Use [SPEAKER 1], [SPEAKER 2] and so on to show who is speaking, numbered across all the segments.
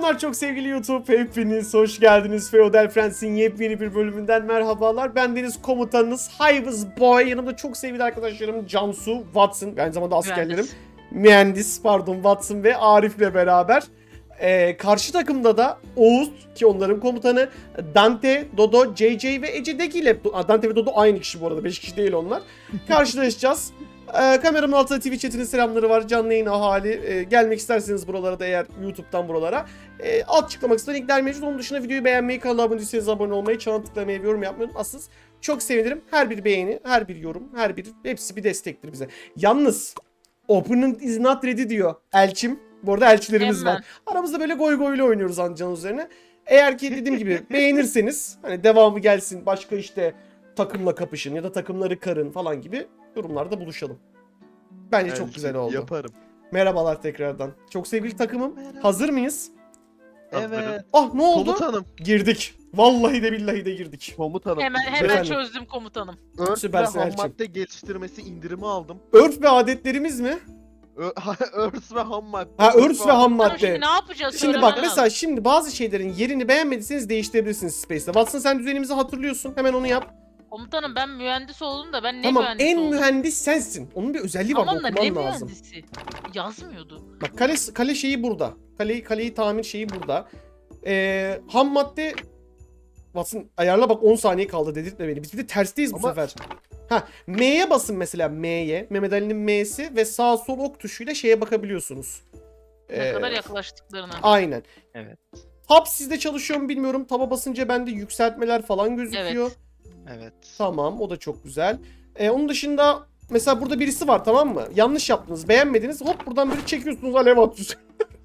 [SPEAKER 1] Selamlar çok sevgili YouTube. Hepiniz hoş geldiniz. Feodal Friends'in yepyeni bir bölümünden merhabalar. Ben Deniz komutanınız Hayvız Boy. Yanımda çok sevgili arkadaşlarım Cansu, Watson, aynı zamanda askerlerim. Mühendis, Watson ve Arif'le beraber. Karşı takımda da Oğuz ki onların komutanı, Dante, Dodo, JJ ve Ece'deki ile Dante ve Dodo aynı kişi bu arada, 5 kişi değil onlar. Karşılaşacağız. Kameramın altında Twitch chatinin selamları var. Canlı yayın ahali. Gelmek isterseniz buralara da, eğer YouTube'dan buralara. Alt açıklama kısmında linkler mevcut. Onun dışında videoyu beğenmeyi, kanala abone değilseniz abone olmayı, çana tıklamayı ve yorum yapmayı unutmayın. Çok sevinirim. Her bir beğeni, her bir yorum, hepsi bir destektir bize. Yalnız Opening is not ready diyor Elçim. Bu arada elçilerimiz var. Aramızda böyle goy goyla oynuyoruz Ancan üzerine. Eğer ki dediğim gibi beğenirseniz, hani devamı gelsin, başka işte takımla kapışın ya da takımları karın falan gibi yorumlarda buluşalım. Bence çok güzel oldu.
[SPEAKER 2] Yaparım.
[SPEAKER 1] Merhabalar tekrardan. Çok sevgili takımım.
[SPEAKER 2] Merhaba.
[SPEAKER 1] Hazır mıyız?
[SPEAKER 2] Evet.
[SPEAKER 1] Ah, ne oldu?
[SPEAKER 2] Komutanım.
[SPEAKER 1] Girdik. Vallahi de billahi de girdik.
[SPEAKER 2] Komutanım.
[SPEAKER 3] Hemen
[SPEAKER 1] Efendim?
[SPEAKER 3] çözdüm komutanım.
[SPEAKER 2] Örf ve
[SPEAKER 1] Süpersin
[SPEAKER 2] ham
[SPEAKER 1] Elçin.
[SPEAKER 2] madde geliştirmesi indirimi aldım.
[SPEAKER 1] Örf ve adetlerimiz mi?
[SPEAKER 2] Örs ve ham madde.
[SPEAKER 1] Ha, örs ve ham
[SPEAKER 3] Tamam,
[SPEAKER 1] madde.
[SPEAKER 3] şimdi ne yapacağız?
[SPEAKER 1] Şimdi
[SPEAKER 3] Söylemen
[SPEAKER 1] bak
[SPEAKER 3] lazım.
[SPEAKER 1] mesela şimdi bazı şeylerin yerini beğenmediyseniz değiştirebilirsiniz Space'te. Watson, sen düzenimizi hatırlıyorsun. Hemen onu yap.
[SPEAKER 3] Komutanım ben mühendis oldum da ben ne
[SPEAKER 1] Tamam,
[SPEAKER 3] mühendis
[SPEAKER 1] en
[SPEAKER 3] oldum?
[SPEAKER 1] mühendis sensin. Onun bir özelliği var,
[SPEAKER 3] Tamam da ne
[SPEAKER 1] okuman lazım.
[SPEAKER 3] mühendisi? Yazmıyordu.
[SPEAKER 1] Bak kale şeyi burada. Kaleyi tamir şeyi burada. Ham madde Watson ayarla, bak 10 saniye kaldı, dedirtme beni. Biz bir de tersteyiz bu
[SPEAKER 2] Ama-
[SPEAKER 1] sefer. Ha, M'ye basın mesela, M'ye. Mehmet Ali'nin M'si ve sağ sol ok tuşuyla şeye bakabiliyorsunuz.
[SPEAKER 3] Ne kadar yaklaştıklarına.
[SPEAKER 1] Aynen.
[SPEAKER 4] Evet.
[SPEAKER 1] Hub sizde çalışıyor mu bilmiyorum. Taba basınca bende yükseltmeler falan gözüküyor.
[SPEAKER 4] Evet.
[SPEAKER 1] Tamam, o da çok güzel. Onun dışında mesela burada birisi var, tamam mı? Yanlış yaptınız, beğenmediniz. Hop, buradan böyle çekiyorsunuz, alev atıyorsunuz.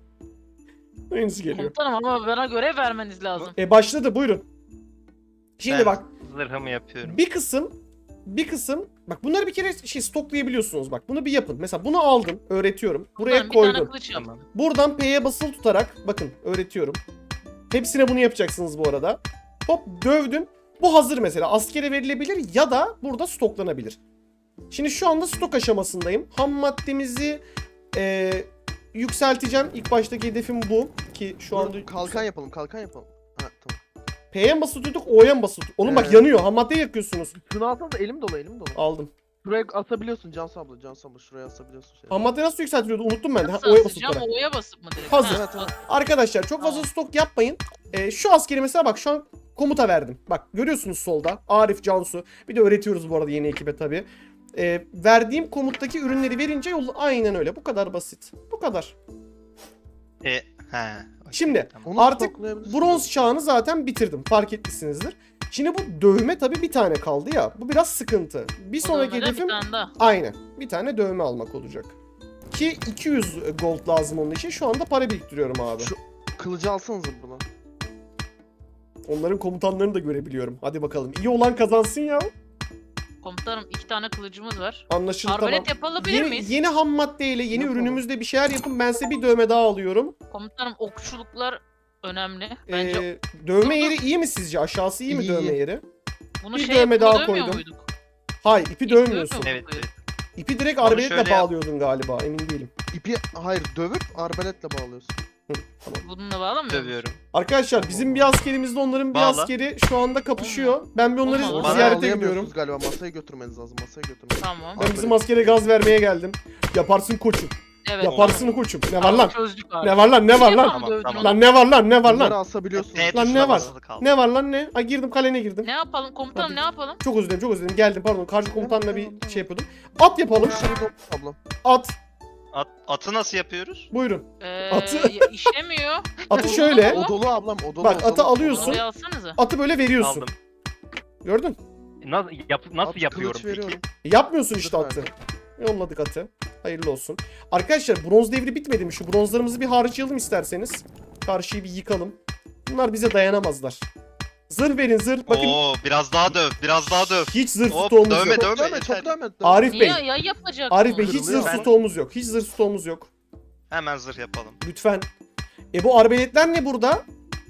[SPEAKER 1] Aynısı geliyor.
[SPEAKER 3] Komutanım ama bana görev vermeniz lazım.
[SPEAKER 1] Başladı, buyurun. Şimdi
[SPEAKER 4] Ben
[SPEAKER 1] bak,
[SPEAKER 4] zırhımı yapıyorum.
[SPEAKER 1] bir kısım bak, bunları bir kere stoklayabiliyorsunuz, bak bunu bir yapın. Mesela bunu aldım, öğretiyorum. Buraya
[SPEAKER 3] Komutanım, bir tane
[SPEAKER 1] koydum.
[SPEAKER 3] kılıç yap.
[SPEAKER 4] Tamam.
[SPEAKER 1] Buradan P'ye basılı tutarak bakın öğretiyorum. Hepsine bunu yapacaksınız bu arada. Hop, dövdüm. Bu hazır mesela. Askere verilebilir ya da burada stoklanabilir. Şimdi şu anda stok aşamasındayım. Ham maddemizi yükselteceğim. İlk baştaki hedefim bu. Ki şu anda...
[SPEAKER 2] Kalkan yapalım. Ha tamam.
[SPEAKER 1] P'ye mi basılı tuttuk, O'ya mı basılı tuttuk? Oğlum bak,
[SPEAKER 2] Ee.
[SPEAKER 1] yanıyor. Ham maddeyi yakıyorsunuz.
[SPEAKER 2] Şunu alsana da elim dolu.
[SPEAKER 1] Aldım.
[SPEAKER 2] Şuraya asabiliyorsun Cansu abla. Şuraya asabiliyorsun.
[SPEAKER 1] Ham madde nasıl yükseltiliyordu? Unuttum ben de. Ha,
[SPEAKER 3] Nasıl
[SPEAKER 1] O'ya basılı
[SPEAKER 3] asacağım?
[SPEAKER 1] tutarak.
[SPEAKER 3] O'ya basıp mı direkt?
[SPEAKER 1] Hazır.
[SPEAKER 2] Evet, evet.
[SPEAKER 1] Arkadaşlar çok fazla
[SPEAKER 3] Tamam.
[SPEAKER 1] stok yapmayın. Şu askeri mesela bak, şu an komuta verdim. Bak görüyorsunuz solda. Arif, Cansu. Bir de öğretiyoruz bu arada yeni ekibe tabii. Verdiğim komuttaki ürünleri verince yol aynen öyle. Bu kadar basit. Bu kadar.
[SPEAKER 4] He. okey,
[SPEAKER 1] Şimdi
[SPEAKER 4] tamam.
[SPEAKER 2] Onu
[SPEAKER 1] artık
[SPEAKER 2] stoklayabilirsin.
[SPEAKER 1] bronz çağını zaten bitirdim. Fark etmişsinizdir. Şimdi bu dövme tabii bir tane kaldı ya. Bu biraz sıkıntı. Bir
[SPEAKER 3] O
[SPEAKER 1] sonraki
[SPEAKER 3] dövmeden
[SPEAKER 1] hedefim
[SPEAKER 3] bir tane daha.
[SPEAKER 1] aynen. Bir tane dövme almak olacak. Ki 200 gold lazım onun için. Şu anda para biriktiriyorum abi.
[SPEAKER 2] Şu- Kılıcı alsanıza buna.
[SPEAKER 1] Onların komutanlarını da görebiliyorum. Hadi bakalım. İyi olan kazansın ya.
[SPEAKER 3] Komutanım 2 tane kılıcımız var.
[SPEAKER 1] Anlaşıldı,
[SPEAKER 3] Arbalet
[SPEAKER 1] tamam.
[SPEAKER 3] yapabilir miyiz?
[SPEAKER 1] Yeni ham maddeyle, yeni
[SPEAKER 2] Yapalım.
[SPEAKER 1] ürünümüzle bir şeyler yapın. Ben size bir dövme daha alıyorum.
[SPEAKER 3] Komutanım okçuluklar önemli. Bence
[SPEAKER 1] Dövme
[SPEAKER 3] Dur,
[SPEAKER 1] yeri iyi mi sizce? Aşağısı iyi mi
[SPEAKER 2] İyi,
[SPEAKER 1] dövme
[SPEAKER 2] iyi.
[SPEAKER 1] yeri?
[SPEAKER 3] bunu
[SPEAKER 1] bir
[SPEAKER 3] şey
[SPEAKER 1] dövme
[SPEAKER 3] buna
[SPEAKER 1] daha
[SPEAKER 3] dövmüyor
[SPEAKER 1] koydum.
[SPEAKER 3] muyduk?
[SPEAKER 1] Hayır, ipi
[SPEAKER 3] dövmüyor
[SPEAKER 1] dövmüyorsun.
[SPEAKER 3] muyduk?
[SPEAKER 4] Evet. evet.
[SPEAKER 1] İpi direkt
[SPEAKER 4] Onu
[SPEAKER 1] arbaletle
[SPEAKER 4] şöyle yap.
[SPEAKER 1] bağlıyordun galiba. Emin değilim.
[SPEAKER 2] İpi hayır dövüp arbaletle bağlıyorsun.
[SPEAKER 3] Bununla bağlamıyor musun?
[SPEAKER 4] Dövüyorum.
[SPEAKER 1] Arkadaşlar bizim bir askerimizle onların bir
[SPEAKER 4] Bağla.
[SPEAKER 1] askeri şu anda kapışıyor. Ben bir onları
[SPEAKER 3] Olmaz.
[SPEAKER 4] Bana
[SPEAKER 1] ziyarete
[SPEAKER 2] Bağlayamıyorsunuz
[SPEAKER 1] gidiyorum.
[SPEAKER 2] galiba. Masaya götürmeniz lazım.
[SPEAKER 3] Tamam.
[SPEAKER 1] Ben bizim askere gaz vermeye geldim. Yaparsın koçum.
[SPEAKER 3] Evet.
[SPEAKER 1] Yaparsın koçum. Ne var
[SPEAKER 3] Tamam,
[SPEAKER 1] lan?
[SPEAKER 3] çözdük abi.
[SPEAKER 1] Ne var lan? Ne var lan?
[SPEAKER 4] Tamam, tamam.
[SPEAKER 1] Lan ne var lan? Ne var
[SPEAKER 2] Bunları
[SPEAKER 1] lan?
[SPEAKER 2] asabiliyorsunuz.
[SPEAKER 4] P
[SPEAKER 1] Lan
[SPEAKER 4] tuşuna
[SPEAKER 1] ne var?
[SPEAKER 4] basılı kaldı.
[SPEAKER 1] Ne var lan ne? Ay, girdim, kalene girdim.
[SPEAKER 3] Ne yapalım komutanım,
[SPEAKER 1] Hadi.
[SPEAKER 3] ne yapalım?
[SPEAKER 1] Çok özür dilerim, çok özür dilerim. Geldim, pardon. Karşı komutanla bir
[SPEAKER 2] Tamam.
[SPEAKER 1] şey yapıyordum. At yapalım.
[SPEAKER 2] Ablam.
[SPEAKER 1] At.
[SPEAKER 4] Atı nasıl yapıyoruz?
[SPEAKER 1] Buyurun.
[SPEAKER 3] Atı...
[SPEAKER 1] Atı-
[SPEAKER 3] işlemiyor.
[SPEAKER 1] Atı şöyle.
[SPEAKER 3] O-
[SPEAKER 2] O dolu ablam. O dolu.
[SPEAKER 1] Bak,
[SPEAKER 2] o dolu.
[SPEAKER 1] atı alıyorsun.
[SPEAKER 3] Oraya alsanıza.
[SPEAKER 1] Atı böyle veriyorsun.
[SPEAKER 4] Aldım.
[SPEAKER 1] Gördün?
[SPEAKER 4] Nasıl
[SPEAKER 2] At,
[SPEAKER 4] yapıyorum
[SPEAKER 2] kılıç
[SPEAKER 4] peki?
[SPEAKER 2] veriyorum.
[SPEAKER 1] Yapmıyorsun işte
[SPEAKER 2] Dur
[SPEAKER 1] atı.
[SPEAKER 2] abi.
[SPEAKER 1] Yolladık atı. Hayırlı olsun. Arkadaşlar bronz devri bitmedi mi? Şu bronzlarımızı bir harcayalım isterseniz. Karşıyı bir yıkalım. Bunlar bize dayanamazlar. Zırh verin, zırh. Bakın
[SPEAKER 4] Oo, biraz daha döv. Biraz daha döv.
[SPEAKER 1] hiç zırh
[SPEAKER 4] Hop,
[SPEAKER 1] stoğumuz
[SPEAKER 4] dövme,
[SPEAKER 1] yok.
[SPEAKER 4] dövme.
[SPEAKER 2] Çok dövme,
[SPEAKER 4] yeter.
[SPEAKER 2] çok dövme.
[SPEAKER 1] Arif Bey.
[SPEAKER 3] Niye ya yapacak?
[SPEAKER 1] Arif Bey, hiç
[SPEAKER 2] Kırılıyor.
[SPEAKER 1] zırh
[SPEAKER 4] Ben-
[SPEAKER 1] stoğumuz yok. Hiç zırh stoğumuz yok.
[SPEAKER 4] Hemen zırh yapalım.
[SPEAKER 1] Lütfen. Bu arbeletler ne burada?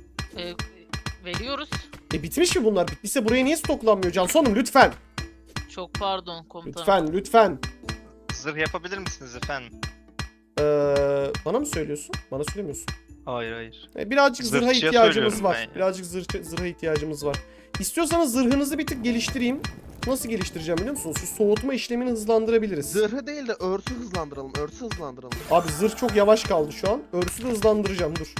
[SPEAKER 3] Veriyoruz.
[SPEAKER 1] Bitmiş mi bunlar? Bittiyse buraya niye stoklanmıyor? Cansu Hanım lütfen.
[SPEAKER 3] Çok pardon komutanım.
[SPEAKER 1] Lütfen, lütfen.
[SPEAKER 4] Zırh yapabilir misiniz efendim?
[SPEAKER 1] Bana mı söylüyorsun? Bana söylemiyorsun.
[SPEAKER 4] Hayır hayır.
[SPEAKER 1] Birazcık zırha
[SPEAKER 4] Zırhçıya
[SPEAKER 1] ihtiyacımız
[SPEAKER 4] söylüyorum
[SPEAKER 1] var.
[SPEAKER 4] ben ya.
[SPEAKER 1] Birazcık zırha ihtiyacımız var. İstiyorsanız zırhınızı bir tık geliştireyim. Nasıl geliştireceğim biliyor musunuz? Şu soğutma işlemini hızlandırabiliriz.
[SPEAKER 2] Zırhı değil de örsü hızlandıralım. Örsü hızlandıralım.
[SPEAKER 1] Abi zırh çok yavaş kaldı şu an. Örsü de hızlandıracağım dur.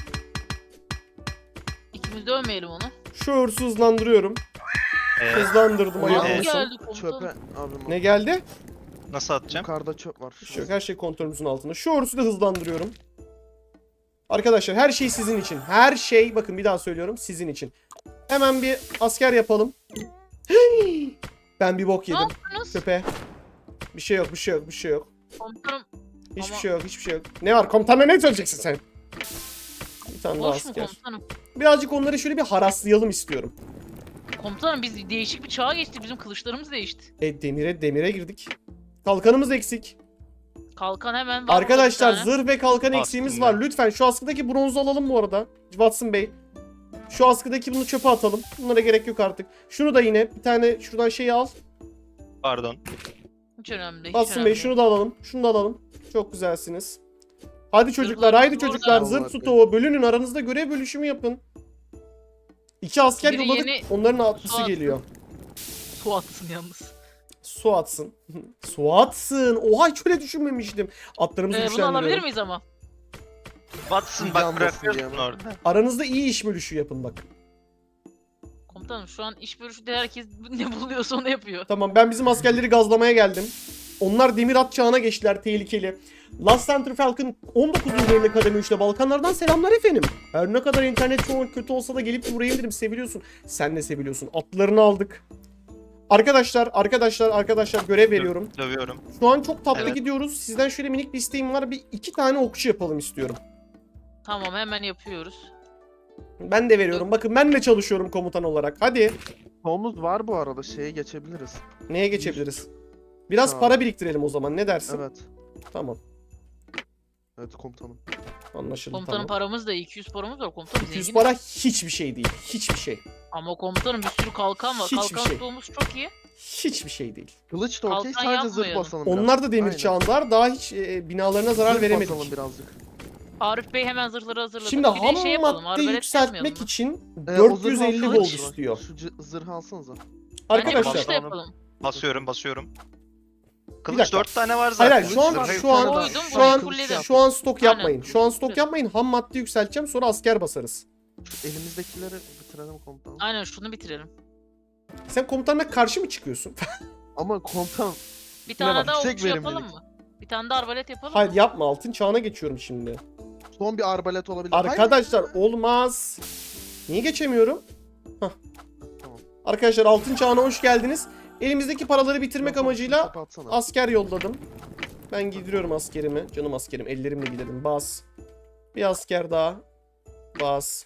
[SPEAKER 3] İkimiz de ölmeyelim onu.
[SPEAKER 1] Şu örsü hızlandırıyorum. Hızlandırdım
[SPEAKER 2] Ulan,
[SPEAKER 1] ayıp
[SPEAKER 3] Ne
[SPEAKER 1] olmasın.
[SPEAKER 3] geldi komutanım?
[SPEAKER 2] Çöpe abim.
[SPEAKER 1] Ne geldi?
[SPEAKER 4] Nasıl atacağım?
[SPEAKER 2] Yukarıda çöp var.
[SPEAKER 1] Bir şey yok, her şey kontrolümüzün altında. Şu örsü de hızlandırıyorum. Arkadaşlar her şey sizin için. Her şey bakın bir daha söylüyorum sizin için. Hemen bir asker yapalım. Ben bir bok
[SPEAKER 3] Ne
[SPEAKER 1] yedim.
[SPEAKER 3] yaptınız?
[SPEAKER 1] Köpe. Bir şey yok, bir şey yok, bir şey yok.
[SPEAKER 3] Komutanım
[SPEAKER 1] Hiçbir
[SPEAKER 3] Ama-
[SPEAKER 1] şey yok, hiçbir şey yok. Ne var? Komutanla ne söyleyeceksin sen? Bir tane daha
[SPEAKER 3] boş mu
[SPEAKER 1] asker.
[SPEAKER 3] komutanım?
[SPEAKER 1] Birazcık onları şöyle bir haraslayalım istiyorum.
[SPEAKER 3] Komutanım biz değişik bir çağa geçtik. Bizim kılıçlarımız değişti.
[SPEAKER 1] Demire girdik. Kalkanımız eksik.
[SPEAKER 3] Kalkan hemen var.
[SPEAKER 1] Arkadaşlar
[SPEAKER 3] burada bir tane.
[SPEAKER 1] zırh ve kalkan
[SPEAKER 4] Aslında.
[SPEAKER 1] eksiğimiz var. Lütfen şu askıdaki bronzu alalım bu arada. Watson Bey. Şu askıdaki bunu çöpe atalım. Bunlara gerek yok artık. Şunu da yine bir tane şuradan şeyi al.
[SPEAKER 4] Pardon.
[SPEAKER 3] Hiç önemli değil. hiç
[SPEAKER 1] Watson
[SPEAKER 3] önemli
[SPEAKER 1] Bey
[SPEAKER 3] değil.
[SPEAKER 1] şunu da alalım. Şunu da alalım. Çok güzelsiniz. Hadi çocuklar,
[SPEAKER 3] Zırhlarımız
[SPEAKER 1] haydi
[SPEAKER 3] burada.
[SPEAKER 1] çocuklar.
[SPEAKER 2] Vallahi
[SPEAKER 1] Zırh stoğu bölünün. Aranızda görev bölüşümü yapın. 2 asker
[SPEAKER 3] Biri
[SPEAKER 1] yolladık.
[SPEAKER 3] yeni
[SPEAKER 1] Onların atlısı
[SPEAKER 3] su
[SPEAKER 1] geliyor.
[SPEAKER 3] Su atsın yalnız.
[SPEAKER 1] Su atsın. Su atsın. Oha hiç öyle düşünmemiştim. Atlarımızı
[SPEAKER 3] Bunu alabilir
[SPEAKER 1] güçlendiriyorum.
[SPEAKER 3] miyiz ama?
[SPEAKER 4] Watson
[SPEAKER 2] Yanmasın
[SPEAKER 4] bak bırakıyorsun
[SPEAKER 2] diye.
[SPEAKER 4] orada.
[SPEAKER 1] Aranızda iyi iş bölüşü yapın bak.
[SPEAKER 3] Komutanım şu an iş bölüşünde herkes ne buluyorsa onu yapıyor.
[SPEAKER 1] Tamam ben bizim askerleri gazlamaya geldim. Onlar demir at çağına geçtiler tehlikeli. Last Center Falcon 19. bölümde kademe 3'te Balkanlardan selamlar efendim. Her ne kadar internet çok kötü olsa da gelip uğrayabilirim seviliyorsun. Sen de seviliyorsun. Atlarını aldık. Arkadaşlar görev veriyorum.
[SPEAKER 4] Dövüyorum.
[SPEAKER 1] Şu an çok tatlı
[SPEAKER 4] Evet.
[SPEAKER 1] gidiyoruz. Sizden şöyle minik bir isteğim var. Bir 2 tane okçu yapalım istiyorum.
[SPEAKER 3] Tamam hemen yapıyoruz.
[SPEAKER 1] Ben de veriyorum. Bakın ben de çalışıyorum komutan olarak. Hadi.
[SPEAKER 2] Tomuz var bu arada. Şeye geçebiliriz.
[SPEAKER 1] Neye geçebiliriz? Biraz
[SPEAKER 2] Tamam.
[SPEAKER 1] para biriktirelim o zaman. Ne dersin?
[SPEAKER 2] Evet.
[SPEAKER 1] Tamam.
[SPEAKER 2] Evet komutanım.
[SPEAKER 1] Anlaşıldı
[SPEAKER 3] Komutanım
[SPEAKER 1] tamam.
[SPEAKER 3] paramız da 200 paramız var komutanım.
[SPEAKER 1] 200
[SPEAKER 3] zenginiz.
[SPEAKER 1] para hiçbir şey değil. Hiçbir şey.
[SPEAKER 3] Ama komutanım bir sürü kalkan var.
[SPEAKER 1] Hiçbir
[SPEAKER 3] Kalkan
[SPEAKER 1] şey.
[SPEAKER 3] stoğumuz çok iyi.
[SPEAKER 1] Hiçbir şey değil.
[SPEAKER 2] Kılıç da okey.
[SPEAKER 3] Kalkan
[SPEAKER 2] Sadece zırh
[SPEAKER 3] yapmayalım.
[SPEAKER 2] basalım biraz.
[SPEAKER 1] Onlar da demir
[SPEAKER 2] Aynen.
[SPEAKER 1] çağındalar. Daha hiç binalarına zarar
[SPEAKER 2] Zırh
[SPEAKER 1] veremedik.
[SPEAKER 2] basalım birazcık.
[SPEAKER 3] Arif Bey hemen zırhları hazırladı.
[SPEAKER 1] Şimdi
[SPEAKER 3] Bir de
[SPEAKER 1] ham
[SPEAKER 3] şey yapalım,
[SPEAKER 1] madde
[SPEAKER 3] arbalet
[SPEAKER 1] yükseltmek
[SPEAKER 3] yapmayalım mı?
[SPEAKER 1] için
[SPEAKER 2] O zırhı
[SPEAKER 1] 450
[SPEAKER 2] alsanıza.
[SPEAKER 1] gold istiyor.
[SPEAKER 2] Şu zırhı alsanıza.
[SPEAKER 3] Bence
[SPEAKER 1] Arkadaşlar
[SPEAKER 3] kılıç da yapalım.
[SPEAKER 4] Basıyorum. Kılıç
[SPEAKER 1] dakika.
[SPEAKER 4] 4 tane var zaten.
[SPEAKER 1] hayır şu an
[SPEAKER 2] Zırhı
[SPEAKER 1] şu an
[SPEAKER 3] koydum,
[SPEAKER 1] şu
[SPEAKER 3] burayı
[SPEAKER 1] an
[SPEAKER 3] fulledim.
[SPEAKER 1] şu an stok
[SPEAKER 3] Aynen.
[SPEAKER 1] yapmayın. Şu an stok yapmayın. Ham madde yükselteceğim sonra asker basarız.
[SPEAKER 2] Şu elimizdekileri bitirelim komutanım.
[SPEAKER 3] Aynen şunu bitirelim.
[SPEAKER 1] Sen komutanla karşı mı çıkıyorsun?
[SPEAKER 2] Ama komutanım
[SPEAKER 3] Bir tane
[SPEAKER 1] bak,
[SPEAKER 3] daha
[SPEAKER 2] yüksek
[SPEAKER 3] okçu yapalım
[SPEAKER 2] verimlilik.
[SPEAKER 3] mı? Bir tane de arbalet yapalım
[SPEAKER 1] Hayır
[SPEAKER 3] mı?
[SPEAKER 1] yapma altın çağına geçiyorum şimdi.
[SPEAKER 2] son bir arbalet olabilir. Hayır.
[SPEAKER 1] Arkadaşlar olmaz. Niye geçemiyorum? Hah.
[SPEAKER 2] Tamam.
[SPEAKER 1] Arkadaşlar altın çağına hoş geldiniz. Elimizdeki paraları bitirmek
[SPEAKER 2] Yok,
[SPEAKER 1] amacıyla
[SPEAKER 2] topu atsana.
[SPEAKER 1] asker yolladım. Ben giydiriyorum askerimi. Canım askerim. Ellerimle gidelim. Bas. Bir asker daha. Bas.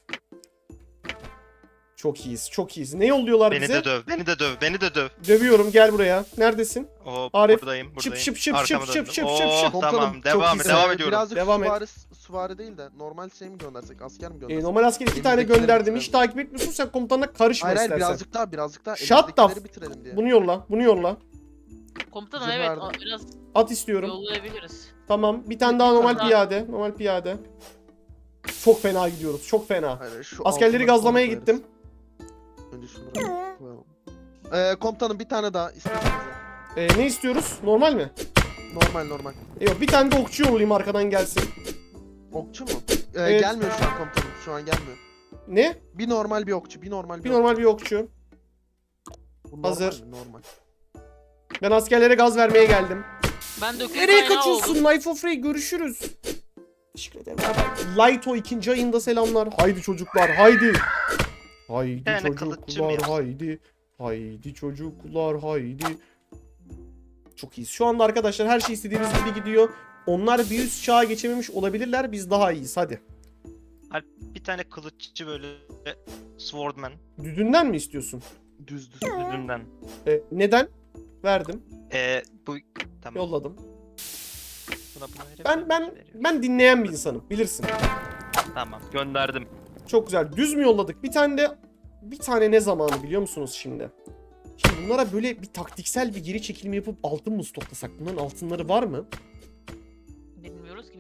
[SPEAKER 1] Çok iyiyiz. Çok iyiyiz. Ne yolluyorlar
[SPEAKER 4] Beni
[SPEAKER 1] bize?
[SPEAKER 4] de döv. Beni de döv.
[SPEAKER 1] Dövüyorum. Gel buraya. Neredesin?
[SPEAKER 4] Hop
[SPEAKER 1] Arif,
[SPEAKER 4] buradayım.
[SPEAKER 1] şıp şıp şıp
[SPEAKER 4] Arkama
[SPEAKER 1] şıp
[SPEAKER 4] döndüm.
[SPEAKER 1] şıp şıp şıp şıp.
[SPEAKER 4] Oh,
[SPEAKER 2] Komutanım,
[SPEAKER 4] tamam
[SPEAKER 2] çok
[SPEAKER 4] devam
[SPEAKER 1] iyisin.
[SPEAKER 4] ediyorum.
[SPEAKER 2] Birazcık
[SPEAKER 1] Devam et.
[SPEAKER 2] süvari değil de normal şey mi göndersek? Asker mi göndersek?
[SPEAKER 1] Normal asker 2 tane
[SPEAKER 2] Elimizdekileri
[SPEAKER 1] gönderdim. Hiç
[SPEAKER 2] bitirelim.
[SPEAKER 1] takip etmiyorsun. Sen komutanla karışma
[SPEAKER 2] Hayır
[SPEAKER 1] istersen.
[SPEAKER 2] birazcık daha.
[SPEAKER 1] Shut the
[SPEAKER 2] Elimizdekileri bitirelim diye.
[SPEAKER 1] Bunu yolla. Bunu yolla.
[SPEAKER 3] Komutanım
[SPEAKER 2] Zırh
[SPEAKER 3] evet
[SPEAKER 2] verdim.
[SPEAKER 3] biraz
[SPEAKER 1] At istiyorum.
[SPEAKER 3] yollayabiliriz.
[SPEAKER 1] Tamam. Bir tane daha normal
[SPEAKER 3] daha.
[SPEAKER 1] piyade. Normal piyade. Çok fena gidiyoruz. Çok fena.
[SPEAKER 2] Hayır, şu
[SPEAKER 1] Askerleri
[SPEAKER 2] altına
[SPEAKER 1] gazlamaya
[SPEAKER 2] koyarız.
[SPEAKER 1] gittim.
[SPEAKER 2] Önce şunları koyalım. Komutanım bir tane daha istiyorsanız.
[SPEAKER 1] Ne istiyoruz? Normal mi?
[SPEAKER 2] Normal.
[SPEAKER 1] Yok bir tane de okçu yollayayım arkadan gelsin.
[SPEAKER 2] Okçu mu?
[SPEAKER 1] Evet.
[SPEAKER 2] Gelmiyor şu an komutanım. Şu an gelmiyor.
[SPEAKER 1] Ne?
[SPEAKER 2] Bir normal bir okçu. Bir normal
[SPEAKER 1] Bir
[SPEAKER 2] bir
[SPEAKER 1] normal bir okçu.
[SPEAKER 2] okçu. Bu normal
[SPEAKER 1] Hazır.
[SPEAKER 2] mi? Normal.
[SPEAKER 1] Ben askerlere gaz vermeye geldim.
[SPEAKER 3] Ben döküm
[SPEAKER 1] Nereye
[SPEAKER 3] kaynağı
[SPEAKER 1] kaçıyorsun?
[SPEAKER 3] oldum.
[SPEAKER 1] Life of Ray görüşürüz. Teşekkür ederim. Lighto 2. ayında selamlar. Haydi çocuklar haydi. Haydi
[SPEAKER 4] Yani kılıççı mı
[SPEAKER 1] çocuklar
[SPEAKER 4] yapsın?
[SPEAKER 1] haydi. Haydi çocuklar haydi. Çok iyiyiz. Şu anda arkadaşlar her şey istediğimiz gibi gidiyor. Onlar bir üst çağa geçememiş olabilirler. Biz daha iyiyiz. Hadi.
[SPEAKER 4] Bir tane kılıççı böyle swordman
[SPEAKER 1] Düdünden mi istiyorsun?
[SPEAKER 2] Düz.
[SPEAKER 4] yüzünden.
[SPEAKER 1] Neden? Verdim.
[SPEAKER 4] Bu tamam.
[SPEAKER 1] Yolladım.
[SPEAKER 4] Buna verebilirim.
[SPEAKER 1] Ben dinleyen bir insanım. Bilirsin.
[SPEAKER 4] Tamam gönderdim.
[SPEAKER 1] Çok güzel. Düz mü yolladık? Bir tane ne zamanı biliyor musunuz şimdi? Şimdi bunlara böyle bir taktiksel bir geri çekilme yapıp altın mı stoklasak? Bunların altınları var mı?
[SPEAKER 3] Bilmiyoruz ki biz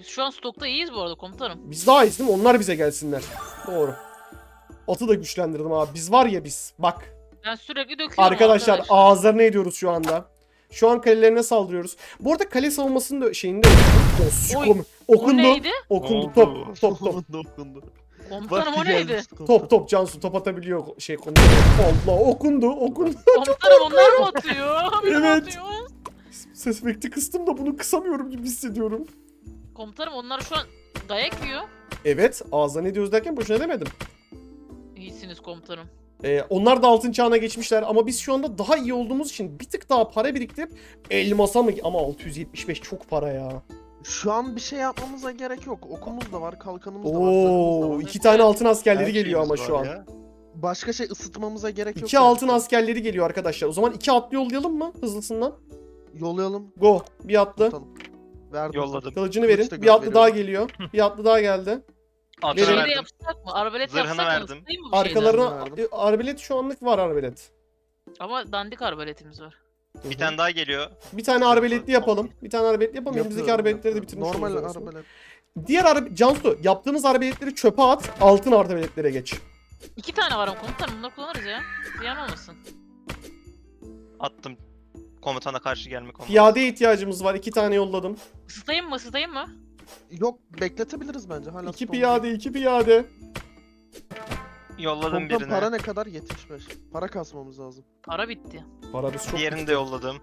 [SPEAKER 3] Biz şu an stokta iyiyiz bu arada komutanım.
[SPEAKER 1] Biz daha iyiyiz değil mi? Onlar bize gelsinler. Doğru. Atı da güçlendirdim abi. Biz var ya biz. Bak.
[SPEAKER 3] Ben sürekli döküyorum
[SPEAKER 1] Arkadaşlar ağızlarına ediyoruz şu anda. Şu an kalelerine saldırıyoruz. Bu arada kale savunmasının da şeyinde
[SPEAKER 3] Oy,
[SPEAKER 1] okundu.
[SPEAKER 3] O neydi?
[SPEAKER 1] Okundu.
[SPEAKER 4] Oldu.
[SPEAKER 1] Top top top.
[SPEAKER 2] Dokundu.
[SPEAKER 3] Komutanım o
[SPEAKER 2] Vakti
[SPEAKER 3] neydi?
[SPEAKER 2] gelmişti komutan.
[SPEAKER 1] Top top Cansu top atabiliyor şey konuda. Allah okundu.
[SPEAKER 3] Komutanım onlar mı atıyor? Benim
[SPEAKER 1] Evet.
[SPEAKER 3] atıyor.
[SPEAKER 1] Ses efekti kıstım da bunu kısamıyorum gibi hissediyorum.
[SPEAKER 3] Komutanım onlar şu an dayak yiyor.
[SPEAKER 1] Evet ağızlarına ediyoruz derken boşuna demedim.
[SPEAKER 3] İyisiniz komutanım.
[SPEAKER 1] Onlar da altın çağına geçmişler ama biz şu anda daha iyi olduğumuz için bir tık daha para biriktirip elmasa mı? Ama 675 çok para ya.
[SPEAKER 2] Şu an bir şey yapmamıza gerek yok. Okumuz da var, kalkanımız da var, zırhımız da
[SPEAKER 1] Oo,
[SPEAKER 2] var.
[SPEAKER 1] 2 tane altın askerleri
[SPEAKER 4] Her
[SPEAKER 1] geliyor ama
[SPEAKER 4] şeyimiz
[SPEAKER 1] şu
[SPEAKER 4] var
[SPEAKER 1] an.
[SPEAKER 4] ya.
[SPEAKER 2] Başka şey ısıtmamıza gerek yok.
[SPEAKER 1] 2
[SPEAKER 2] yani.
[SPEAKER 1] altın askerleri geliyor arkadaşlar. O zaman 2 atlı yollayalım mı hızlısından?
[SPEAKER 2] Yollayalım.
[SPEAKER 1] Go. Bir atlı.
[SPEAKER 2] Tamam. Verdim.
[SPEAKER 4] Yolladım.
[SPEAKER 1] Kılıcını
[SPEAKER 2] Kılıç
[SPEAKER 1] verin.
[SPEAKER 2] da
[SPEAKER 1] Bir atlı
[SPEAKER 2] gönderiyorum.
[SPEAKER 1] daha geliyor. Bir atlı daha geldi.
[SPEAKER 4] Atına
[SPEAKER 1] Verin.
[SPEAKER 3] Şey de
[SPEAKER 4] verdim.
[SPEAKER 3] yapsak mı? Arbelet
[SPEAKER 4] Zırhını
[SPEAKER 3] yapsak mı?
[SPEAKER 4] verdim.
[SPEAKER 3] Isıtayım mı bu şeyden?
[SPEAKER 1] Arkalarına
[SPEAKER 2] verdim.
[SPEAKER 1] arbelet şu anlık var arbelet.
[SPEAKER 3] Ama dandik arbeletimiz var.
[SPEAKER 4] Bir tane daha geliyor.
[SPEAKER 1] Bir tane arbeletli yapalım. Bir tane arbeletli yapalım. Elimizdeki
[SPEAKER 2] Yapıyorum,
[SPEAKER 1] arbeletleri de
[SPEAKER 2] yapıyorum.
[SPEAKER 1] bitirmiş
[SPEAKER 2] Normal
[SPEAKER 1] oluruz aslında.
[SPEAKER 2] arbelet.
[SPEAKER 1] Diğer Cansu yaptığımız arbeletleri çöpe at. Altın arbeletlere geç.
[SPEAKER 3] 2 tane var ama komutanım bunları kullanırız ya. Ziyan olmasın.
[SPEAKER 4] Attım. Komutana karşı gelme komutanı.
[SPEAKER 1] Piyadeye ihtiyacımız var. 2 tane yolladım.
[SPEAKER 3] Isıtayım mı? Isıtayım mı?
[SPEAKER 2] Yok, bekletebiliriz bence. Hala
[SPEAKER 1] 2
[SPEAKER 2] stone
[SPEAKER 1] piyade, 2 piyade.
[SPEAKER 4] Yolladım
[SPEAKER 2] Komutan
[SPEAKER 4] birine.
[SPEAKER 2] para ne kadar? 75. Para kasmamız lazım.
[SPEAKER 3] Para bitti.
[SPEAKER 1] Para biz çok.
[SPEAKER 4] Diğerini de yolladım.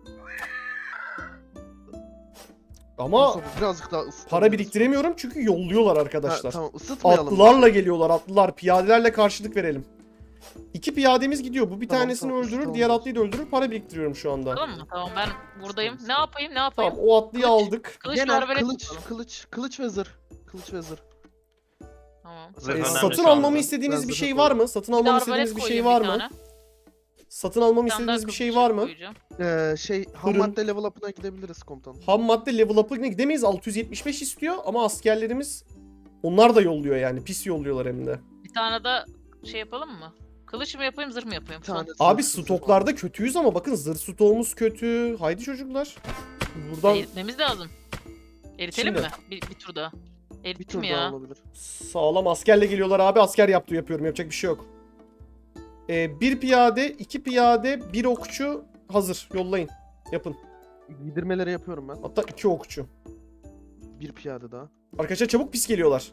[SPEAKER 1] Ama
[SPEAKER 2] Mustafa, birazcık daha ısıtabiliriz.
[SPEAKER 1] para biriktiremiyorum çünkü yolluyorlar
[SPEAKER 2] Ha,
[SPEAKER 1] arkadaşlar.
[SPEAKER 2] tamam, ısıtmayalım.
[SPEAKER 1] Atlılarla geliyorlar atlılar. Piyadelerle karşılık verelim. 2 piyademiz gidiyor. Bu bir
[SPEAKER 2] Tamam,
[SPEAKER 1] tanesini
[SPEAKER 2] tamam,
[SPEAKER 1] öldürür,
[SPEAKER 2] tamam.
[SPEAKER 1] diğer atlıyı da öldürür. Para biriktiriyorum şu anda.
[SPEAKER 3] Tamam mı? Tamam ben buradayım.
[SPEAKER 2] Tamam,
[SPEAKER 3] Ne yapayım? Ne yapayım?
[SPEAKER 1] Tamam o atlıyı
[SPEAKER 3] Kılıç.
[SPEAKER 1] aldık.
[SPEAKER 3] Kılıç ve
[SPEAKER 2] Genel
[SPEAKER 3] arbelet
[SPEAKER 2] kılıç,
[SPEAKER 3] yapalım.
[SPEAKER 2] kılıç ve zırh. Kılıç ve zırh.
[SPEAKER 3] Tamam.
[SPEAKER 4] Zırh
[SPEAKER 1] Ee,
[SPEAKER 4] önemli
[SPEAKER 1] satın
[SPEAKER 4] şu anda.
[SPEAKER 1] almamı istediğiniz
[SPEAKER 2] Ben
[SPEAKER 1] bir
[SPEAKER 2] zırhı
[SPEAKER 1] şey var mı? Satın
[SPEAKER 3] Bir de
[SPEAKER 1] almamı
[SPEAKER 3] arbalet
[SPEAKER 1] istediğiniz bir şey
[SPEAKER 3] koyayım
[SPEAKER 1] var
[SPEAKER 3] bir
[SPEAKER 1] mı?
[SPEAKER 3] tane.
[SPEAKER 1] Satın almamı
[SPEAKER 3] Bir tane daha
[SPEAKER 1] istediğiniz bir şey
[SPEAKER 3] kılıç
[SPEAKER 1] var mı?
[SPEAKER 3] koyacağım.
[SPEAKER 2] Ham
[SPEAKER 1] Fırın.
[SPEAKER 2] madde level up'ına gidebiliriz komutanım.
[SPEAKER 1] Ham madde level up'ına gidemeyiz. 675 istiyor ama askerlerimiz onlar da yolluyor yani. Pis yolluyorlar hem de.
[SPEAKER 3] Bir tane de şey yapalım mı? Kılıç mı yapayım, zırh mı yapayım?
[SPEAKER 2] Bir tane
[SPEAKER 1] Abi
[SPEAKER 2] zırh-
[SPEAKER 1] stoklarda kötüyüz ama bakın zırh stoğumuz kötü. Haydi çocuklar. Buradan
[SPEAKER 3] Eritmemiz lazım. Eritelim
[SPEAKER 1] Şimdi.
[SPEAKER 3] mi? Bir tur daha.
[SPEAKER 2] Bir
[SPEAKER 3] Erittim
[SPEAKER 2] tur daha
[SPEAKER 3] ya.
[SPEAKER 2] olabilir.
[SPEAKER 1] sağlam askerle geliyorlar abi. Asker yaptığı yapıyorum. Yapacak bir şey yok. Bir piyade, 2 piyade, 1 okçu hazır. Yollayın. Yapın.
[SPEAKER 2] Giydirmeleri yapıyorum ben.
[SPEAKER 1] Hatta 2 okçu.
[SPEAKER 2] Bir piyade daha.
[SPEAKER 1] Arkadaşlar çabuk pis geliyorlar.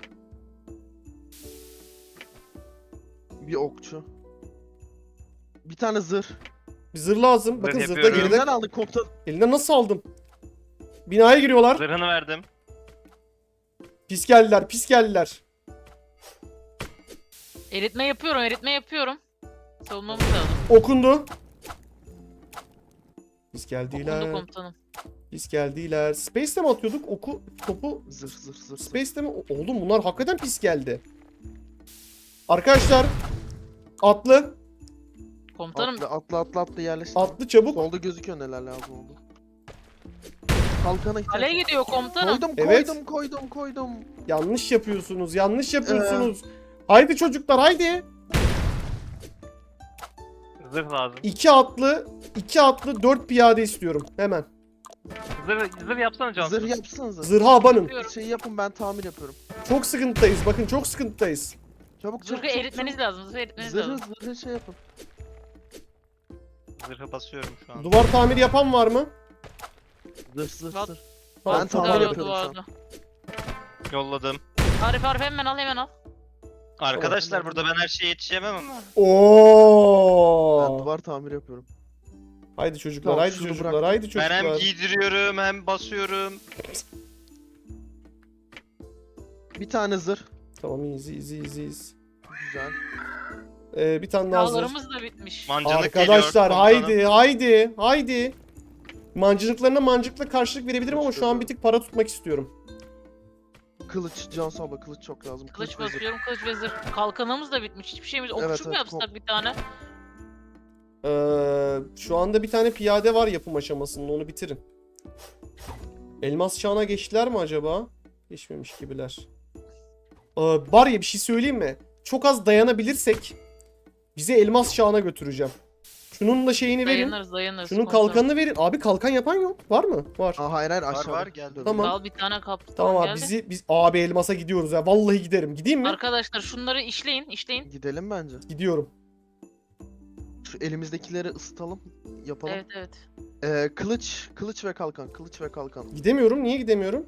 [SPEAKER 2] Bir okçu. Bir tane zırh.
[SPEAKER 1] Bir zırh lazım. Bakın
[SPEAKER 4] Zırh
[SPEAKER 1] zırhta
[SPEAKER 4] yapıyorum.
[SPEAKER 1] geride.
[SPEAKER 2] Elimden aldık komutan.
[SPEAKER 1] Elinden nasıl aldım? Binaya giriyorlar.
[SPEAKER 4] Zırhını verdim.
[SPEAKER 1] Pis geldiler. Pis geldiler.
[SPEAKER 3] Eritme yapıyorum, eritme yapıyorum. Savunmamız lazım.
[SPEAKER 1] Okundu. Pis
[SPEAKER 3] Okundu
[SPEAKER 1] geldiler.
[SPEAKER 3] komutanım.
[SPEAKER 1] Pis geldiler. Space'te mi atıyorduk? Topu
[SPEAKER 2] Zırh.
[SPEAKER 1] Space'te mi? Oğlum bunlar hakikaten pis geldi. Arkadaşlar atlı
[SPEAKER 3] Komutanım
[SPEAKER 2] Atla yerleştir.
[SPEAKER 1] atlı çabuk.
[SPEAKER 2] Solda gözüküyor neler lazım oldu. Kalkana ihtiyaç.
[SPEAKER 3] kaleye gidiyor komutanım.
[SPEAKER 2] Koydum,
[SPEAKER 1] Evet.
[SPEAKER 2] koydum.
[SPEAKER 1] Yanlış yapıyorsunuz. Yanlış yapıyorsunuz. Haydi çocuklar haydi.
[SPEAKER 4] Zırh lazım.
[SPEAKER 1] 2 atlı 4 piyade istiyorum hemen.
[SPEAKER 4] Zırh yapsana Cansu.
[SPEAKER 2] Zırh yapsanıza.
[SPEAKER 1] Zırha abanın.
[SPEAKER 3] Yapıyorum.
[SPEAKER 2] Şey yapın, ben tamir yapıyorum.
[SPEAKER 1] Çok sıkıntıdayız. Bakın çok sıkıntıdayız.
[SPEAKER 2] Çabuk
[SPEAKER 3] Zırhı eritmeniz lazım, zırhı eritmeniz lazım.
[SPEAKER 2] Zırhı şey yapın.
[SPEAKER 4] Zırhı basıyorum şu an.
[SPEAKER 1] Duvar tamiri yapan var mı?
[SPEAKER 2] Zırh.
[SPEAKER 3] Bak.
[SPEAKER 1] Tamam,
[SPEAKER 2] Ben tamir
[SPEAKER 3] Duvarda,
[SPEAKER 2] yapıyorum şu an.
[SPEAKER 3] duvarda.
[SPEAKER 4] Yolladım.
[SPEAKER 3] Arif hemen al.
[SPEAKER 4] Arkadaşlar burada ben her şeye yetişemem ama.
[SPEAKER 2] Ben
[SPEAKER 1] Oo.
[SPEAKER 2] duvar tamir yapıyorum.
[SPEAKER 1] Haydi çocuklar,
[SPEAKER 2] Tamam,
[SPEAKER 1] haydi
[SPEAKER 2] şunu
[SPEAKER 1] çocuklar,
[SPEAKER 2] bırak.
[SPEAKER 1] haydi
[SPEAKER 4] Ben
[SPEAKER 1] çocuklar.
[SPEAKER 4] hem giydiriyorum hem basıyorum.
[SPEAKER 2] Bir tane zırh.
[SPEAKER 1] Tamam iyiyiz.
[SPEAKER 2] Güzel.
[SPEAKER 1] Bir tane daha zırh.
[SPEAKER 3] Dağlarımız da bitmiş.
[SPEAKER 4] Mancınık
[SPEAKER 1] Arkadaşlar
[SPEAKER 4] geliyor,
[SPEAKER 1] haydi. Mancınıklarına mancıkla karşılık verebilirim ama şu an bir tık para tutmak istiyorum.
[SPEAKER 2] Kılıç, Cansu abla kılıç çok lazım.
[SPEAKER 3] Kılıç
[SPEAKER 2] ve zırh.
[SPEAKER 3] basıyorum, kılıç ve zırh. Kalkanımız da bitmiş. Hiçbir şeyimiz. Okçu
[SPEAKER 2] Evet,
[SPEAKER 3] mu yapsak bir tane?
[SPEAKER 1] Şu anda bir tane piyade var yapım aşamasında, onu bitirin. Elmas çağına geçtiler mi acaba? Geçmemiş gibiler. Var ya bir şey söyleyeyim mi? Çok az dayanabilirsek bizi elmas çağına götüreceğim. Şunun da şeyini verin.
[SPEAKER 3] Dayanırız.
[SPEAKER 1] Şunun
[SPEAKER 3] komutanım.
[SPEAKER 1] kalkanını verin. Abi kalkan yapan yok. Var mı? Var.
[SPEAKER 2] Aa, hayır
[SPEAKER 4] Var
[SPEAKER 2] aşağıda.
[SPEAKER 4] var geldi.
[SPEAKER 1] Tamam.
[SPEAKER 3] Al bir tane kaptan
[SPEAKER 1] Tamam abi
[SPEAKER 3] geldi.
[SPEAKER 1] biz abi elmasa gidiyoruz ya. Vallahi giderim. Gideyim mi?
[SPEAKER 3] Arkadaşlar şunları işleyin.
[SPEAKER 2] Gidelim bence.
[SPEAKER 1] Gidiyorum.
[SPEAKER 2] Şu elimizdekileri ısıtalım. Yapalım.
[SPEAKER 3] Evet.
[SPEAKER 2] Kılıç ve kalkan. Kılıç ve kalkan.
[SPEAKER 1] Gidemiyorum. Niye gidemiyorum?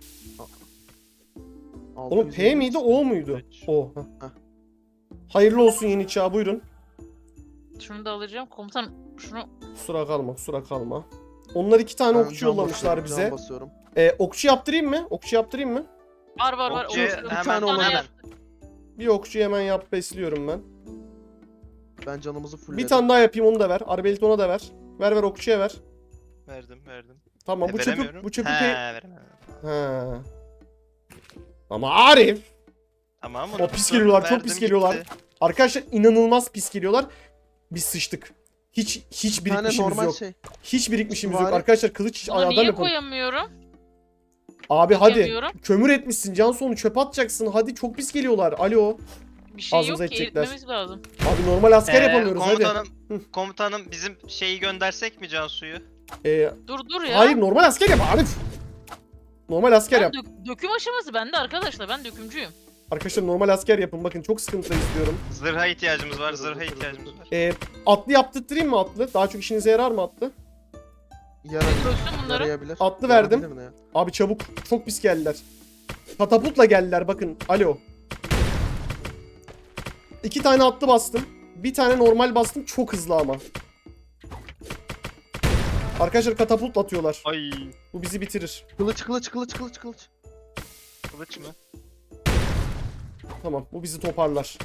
[SPEAKER 1] Oğlum P
[SPEAKER 2] 650.
[SPEAKER 1] miydi O muydu?
[SPEAKER 4] Kılıç.
[SPEAKER 1] O. Heh.
[SPEAKER 2] Heh.
[SPEAKER 1] Hayırlı olsun yeni çağ buyurun.
[SPEAKER 3] Şunu da alacağım. Komutanım şunu
[SPEAKER 1] Kusura kalma. Onlar 2 tane
[SPEAKER 2] Ben
[SPEAKER 1] okçu
[SPEAKER 2] can
[SPEAKER 1] yollamışlar
[SPEAKER 2] basıyorum,
[SPEAKER 1] bize.
[SPEAKER 2] can basıyorum.
[SPEAKER 1] Okçu yaptırayım mı? Okçu yaptırayım mı?
[SPEAKER 3] var.
[SPEAKER 4] Okçu,
[SPEAKER 3] Olur.
[SPEAKER 4] hemen,
[SPEAKER 2] tane olan
[SPEAKER 4] hemen.
[SPEAKER 3] yaptım.
[SPEAKER 1] Bir okçu hemen yap besliyorum ben.
[SPEAKER 2] Ben canımızı fullledim.
[SPEAKER 1] Bir tane daha yapayım onu da ver. Arbelit ona da ver. Ver okçuya ver.
[SPEAKER 4] Verdim.
[SPEAKER 1] Tamam bu çöpü
[SPEAKER 4] Veremiyorum.
[SPEAKER 1] bu çöpü
[SPEAKER 4] He,
[SPEAKER 1] pe-
[SPEAKER 4] veremem.
[SPEAKER 1] Ha. Ama Arif.
[SPEAKER 4] Tamam mı?
[SPEAKER 1] O pis geliyorlar, çok
[SPEAKER 4] Verdim,
[SPEAKER 1] pis geliyorlar.
[SPEAKER 4] gitti.
[SPEAKER 1] Arkadaşlar inanılmaz pis geliyorlar. Biz sıçtık. Hiç
[SPEAKER 2] Bir tane
[SPEAKER 1] birikmişimiz
[SPEAKER 2] normal
[SPEAKER 1] yok.
[SPEAKER 2] şey.
[SPEAKER 1] Hiç birikmişimiz yok.
[SPEAKER 2] Bari-
[SPEAKER 1] Arkadaşlar kılıç
[SPEAKER 3] Bunu
[SPEAKER 1] adam
[SPEAKER 3] niye
[SPEAKER 1] yapalım.
[SPEAKER 3] koyamıyorum?
[SPEAKER 1] Abi hadi.
[SPEAKER 3] Koyamıyorum.
[SPEAKER 1] Kömür etmişsin. Cansu'nu çöpe atacaksın. Hadi çok pis geliyorlar. Alo.
[SPEAKER 3] Bir şey
[SPEAKER 1] Ağzımıza
[SPEAKER 3] yok ki
[SPEAKER 1] edecekler.
[SPEAKER 3] eritmemiz lazım.
[SPEAKER 1] Abi normal asker yapamıyoruz hadi.
[SPEAKER 4] Komutanım bizim şeyi göndersek mi Cansu'yu?
[SPEAKER 3] Dur ya.
[SPEAKER 1] Hayır normal asker yap Arif. Normal asker yap.
[SPEAKER 3] Döküm aşaması bende arkadaşlar. Ben dökümcüyüm.
[SPEAKER 1] Arkadaşlar normal asker yapın. Bakın çok sıkıntı istiyorum.
[SPEAKER 4] Zırha ihtiyacımız var.
[SPEAKER 1] Atlı yaptırtayım mı atlı? Daha çok işinize yarar mı atlı?
[SPEAKER 3] Çözsün bunları.
[SPEAKER 2] Yarayabilir.
[SPEAKER 1] Atlı verdim.
[SPEAKER 2] Yarayabilir ne ya?
[SPEAKER 1] Abi çabuk. Çok pis geldiler. Katapultla geldiler bakın. Alo. 2 tane atlı bastım. Bir tane normal bastım. Çok hızlı ama. Arkadaşlar katapult atıyorlar.
[SPEAKER 4] Ay.
[SPEAKER 1] Bu bizi bitirir.
[SPEAKER 2] Kılıç.
[SPEAKER 4] Kılıç mı?
[SPEAKER 1] Tamam bu bizi toparlar.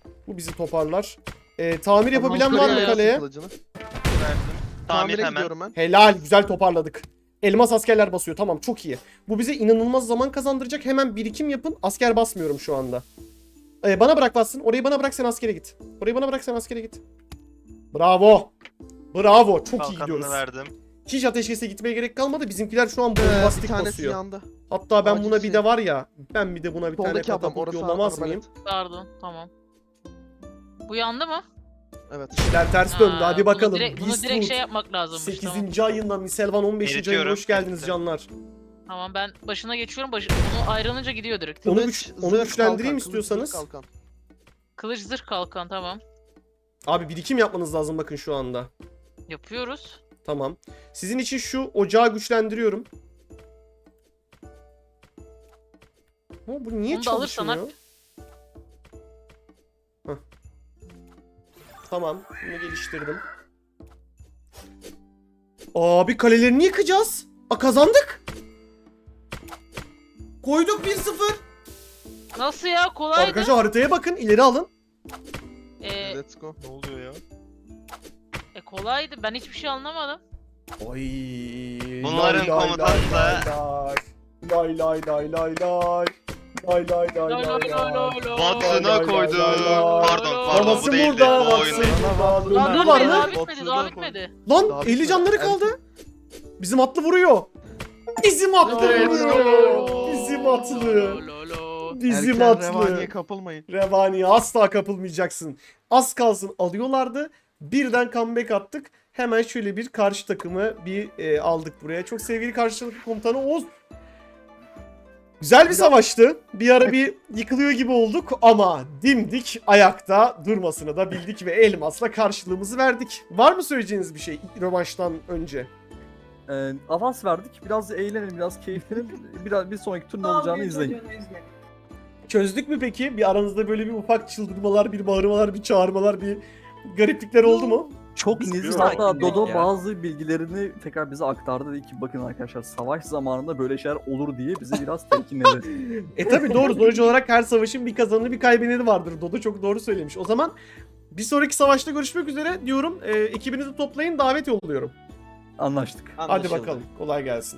[SPEAKER 1] Tamir yapabilen var mı
[SPEAKER 3] kırıyor.
[SPEAKER 1] kaleye?
[SPEAKER 2] Kılıcını.
[SPEAKER 4] Verdim. Tamir
[SPEAKER 2] Tamire
[SPEAKER 4] hemen.
[SPEAKER 2] gidiyorum ben.
[SPEAKER 1] Helal güzel toparladık. Elmas askerler basıyor tamam çok iyi. Bu bize inanılmaz zaman kazandıracak. Hemen birikim yapın. Asker basmıyorum şu anda. Bana bırak bassın. Orayı bana bırak sen askere git. Bravo. Çok iyi
[SPEAKER 4] Kalkanını
[SPEAKER 1] gidiyoruz.
[SPEAKER 4] verdim.
[SPEAKER 1] Hiç ateşkese gitmeye gerek kalmadı. Bizimkiler şu an
[SPEAKER 2] Bir
[SPEAKER 1] bombastik
[SPEAKER 2] tanesi
[SPEAKER 1] basıyor.
[SPEAKER 2] yandı.
[SPEAKER 1] Hatta ben
[SPEAKER 2] Acil
[SPEAKER 1] buna bir
[SPEAKER 2] şey.
[SPEAKER 1] de var ya. Ben bir de buna bir tane
[SPEAKER 2] Soldaki adam
[SPEAKER 1] katapult
[SPEAKER 2] orası
[SPEAKER 1] yollamaz
[SPEAKER 2] arbalet.
[SPEAKER 1] mıyım?
[SPEAKER 3] Pardon. Tamam. Bu yandı mı?
[SPEAKER 2] Evet.
[SPEAKER 1] İşler ters döndü. Hadi bakalım.
[SPEAKER 3] Bunu direkt
[SPEAKER 1] Beastwood.
[SPEAKER 3] şey yapmak lazımmış.
[SPEAKER 1] 8.
[SPEAKER 3] Tamam.
[SPEAKER 1] ayında Miselvan 15. ayında
[SPEAKER 4] Eritiyorum.
[SPEAKER 1] hoş geldiniz
[SPEAKER 4] Erittim.
[SPEAKER 1] canlar.
[SPEAKER 3] Tamam ben başına geçiyorum. Onu ayrılınca gidiyor direkt.
[SPEAKER 1] Onu
[SPEAKER 2] Kılıç,
[SPEAKER 1] onu
[SPEAKER 2] zırh,
[SPEAKER 1] güçlendireyim
[SPEAKER 2] kalkan, kılıç,
[SPEAKER 1] istiyorsanız.
[SPEAKER 2] zırh, kalkan.
[SPEAKER 3] Kılıç zırh kalkan tamam.
[SPEAKER 1] Abi birikim yapmanız lazım bakın şu anda.
[SPEAKER 3] Yapıyoruz.
[SPEAKER 1] Tamam. Sizin için şu ocağı güçlendiriyorum. Bu niye
[SPEAKER 3] Onu da alırsan
[SPEAKER 1] çalışmıyor? Heh. Tamam. Bunu geliştirdim. Abi kalelerini yıkacağız. Kazandık. Koyduk 1-0.
[SPEAKER 3] Nasıl ya? Kolaydı.
[SPEAKER 1] Arkadaşlar haritaya bakın. İleri alın.
[SPEAKER 2] Let's go.
[SPEAKER 4] Ne oluyor ya?
[SPEAKER 3] Kolaydı. Ben hiçbir şey anlamadım.
[SPEAKER 1] Ay.
[SPEAKER 4] Bunların komutanı da-
[SPEAKER 1] Lay.
[SPEAKER 4] Batına koydu. Pardon
[SPEAKER 1] Babası
[SPEAKER 4] bu değildi.
[SPEAKER 1] burada.
[SPEAKER 4] Bu oyun değil.
[SPEAKER 3] Daha
[SPEAKER 1] Öldü var
[SPEAKER 3] bitmedi,
[SPEAKER 1] mı?
[SPEAKER 3] daha bitmedi.
[SPEAKER 1] Lan
[SPEAKER 2] Daha
[SPEAKER 1] 50
[SPEAKER 2] bitmedi.
[SPEAKER 1] canları kaldı. Bizim atlı vuruyor. Bizim atlı
[SPEAKER 2] Evet.
[SPEAKER 1] vuruyor. Bizim atlı. Bizim
[SPEAKER 2] Erken
[SPEAKER 1] atlı.
[SPEAKER 2] revaniye kapılmayın.
[SPEAKER 1] Revaniye asla kapılmayacaksın. Az kalsın alıyorlardı. Birden comeback attık. Hemen şöyle bir karşı takımı aldık buraya. Çok sevgili karşılıklı komutanı Oğuz. Güzel bir savaştı. Bir ara bir yıkılıyor gibi olduk ama dimdik ayakta durmasını da bildik ve elmasla karşılığımızı verdik. Var mı söyleyeceğiniz bir şey rövanştan önce?
[SPEAKER 5] Avans verdik. Biraz eğlenelim, biraz keyiflenelim. Bir sonraki tur ne olacağını izleyin.
[SPEAKER 1] Çözdük mü peki? Bir aranızda böyle bir ufak çıldırmalar, bir bağırmalar, bir çağırmalar, bir gariplikler oldu mu?
[SPEAKER 5] Çok
[SPEAKER 6] Biz
[SPEAKER 5] nezih.
[SPEAKER 6] bir
[SPEAKER 5] Hatta
[SPEAKER 6] sakinlik
[SPEAKER 5] Dodo
[SPEAKER 6] ya.
[SPEAKER 5] bazı bilgilerini tekrar bize aktardı. Dedi ki bakın arkadaşlar savaş zamanında böyle şeyler olur diye bizi biraz telkinledi.
[SPEAKER 1] Tabi doğru. Sonuç olarak her savaşın bir kazananı bir kaybedeni vardır. Dodo çok doğru söylemiş. O zaman bir sonraki savaşta görüşmek üzere diyorum. Ekibinizi toplayın davet yolluyorum.
[SPEAKER 5] Anlaştık.
[SPEAKER 1] Hadi bakalım. Kolay gelsin.